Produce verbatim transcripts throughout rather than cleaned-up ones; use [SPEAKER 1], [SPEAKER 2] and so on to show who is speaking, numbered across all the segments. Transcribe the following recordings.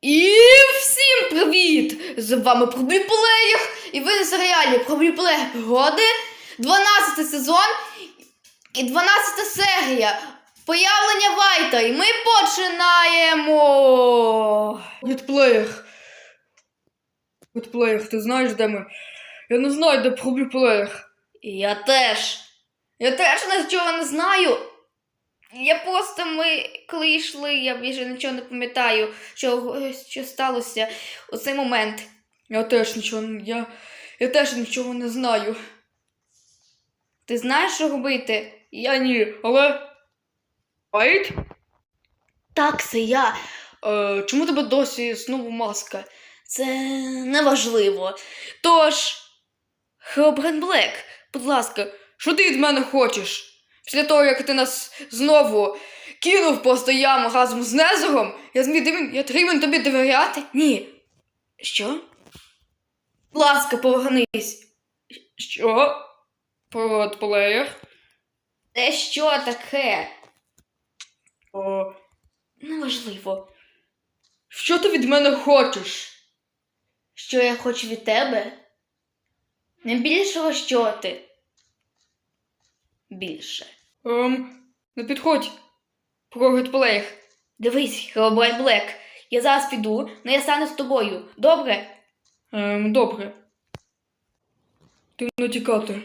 [SPEAKER 1] І всім привіт! З вами Пробліплеєр, і ви на серіалі Пробліплеєр пригоди, дванадцятий сезон і дванадцята серія Появлення Вайта. І ми починаємо! Блітплеєр. Блітплеєр, ти знаєш, де ми? Я не знаю, де Пробліплеєр. Я теж. Я теж нічого не знаю. Я просто, ми, коли йшли, я більше нічого не пам'ятаю, що, що сталося у цей момент. Я теж нічого, я, я теж нічого не знаю. Ти знаєш, що робити? Я ні, але... Вайт? Так, це я. Е, чому тебе досі знову маска? Це неважливо. Тож, Херобрайн Блек, будь ласка, що ти від мене хочеш? Після того, як ти нас знову кинув просто яму разом з Незером, я зміг, я повинен тобі довіряти? Ні. Що? Будь ласка, повернись. Що? Пробліплеєр? Це що таке? О, неважливо. Що ти від мене хочеш? Що я хочу від тебе? Не більшого, що ти? Більше. Ем, не підходь. Пробліплеєр. Дивись, Херобрайн Блек. Я зараз піду, але я стану з тобою. Добре? Ем, добре. Ти не тікати.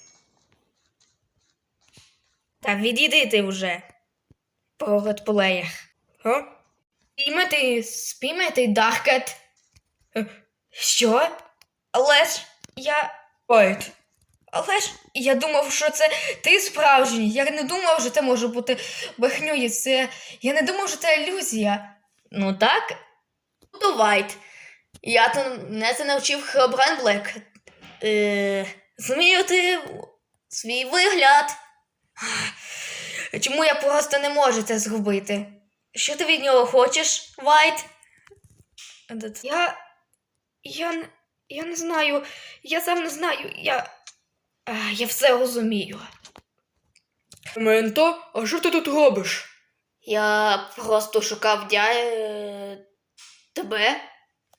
[SPEAKER 1] Та відійди ти вже. Пробліплеєр. О? Спіймати, спіймати Даркет. Що? Але ж я... Вайт. Але ж я думав, що це ти справжній. Я не думав, що це може бути брехньою. Це... Я не думав, що це ілюзія. Ну так? То Вайт. Я то не це навчив Херобрайн Блек. Е... Змінювати свій вигляд. Чому я просто не можу це зробити? Що ти від нього хочеш, Вайт? Я... Я... Я не знаю. Я сам не знаю. Я... Я все розумію. Менто, а що ти тут робиш? Я просто шукав дя... тебе.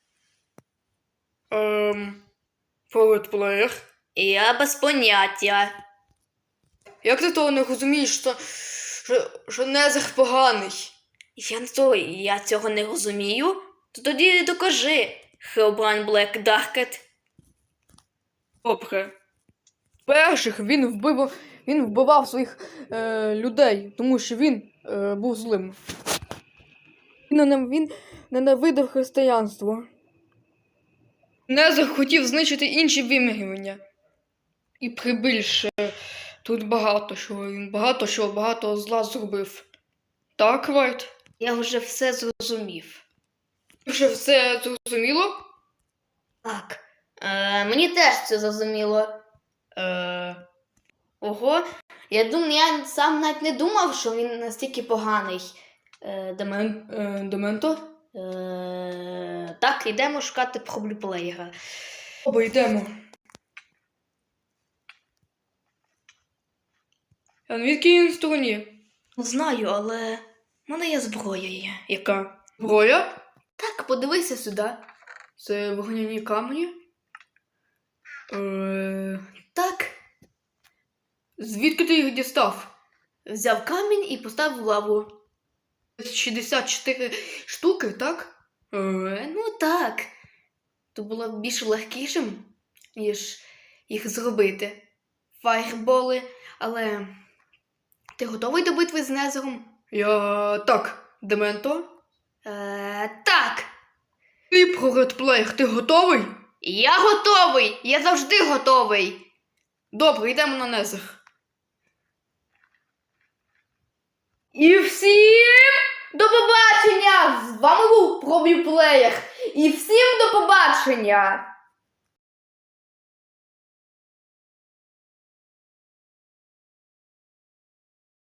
[SPEAKER 1] Ем... Пробліплеєр? Я без поняття. Як ти того не розумієш, що, що, що Незер поганий? Я, то, я цього не розумію. То тоді докажи, Херобрайн Блек Даркет. Добре. Перших він вбив, він вбивав своїх е, людей, тому що він е, був злим. Він, він ненавидив християнство. Незер хотів знищити інші вимірювання. І прибільше тут багато що, він багато що, багато зла зробив. Так, Вайт? Я вже все зрозумів. Вже все зрозуміло? Так. Е, мені теж це зрозуміло. Е... Ого, я думаю, я сам навіть не думав, що він настільки поганий. Е, Демен... е, Дементо? Е... Так, йдемо шукати Пробліплеєра. Оба йдемо. А звідки він в стороні? Не знаю, але в мене є зброя є. Яка? Зброя? Так, подивися сюди. Це вогняні камені? Е... Так. Звідки ти їх дістав? Взяв камінь і поставив в лаву. шістдесят чотири штуки, так? Е... Ну так. То було б більш легкішим, ніж їх зробити. Фаєрболи, але... Ти готовий до битви з Незером? Я... так. Дементо? Е... Так. Ти, Пробліплеєр, ти готовий? Я готовий! Я завжди готовий! Добре, йдемо на Незер. І всім до побачення! З вами був Пробліплеєр. І всім до побачення!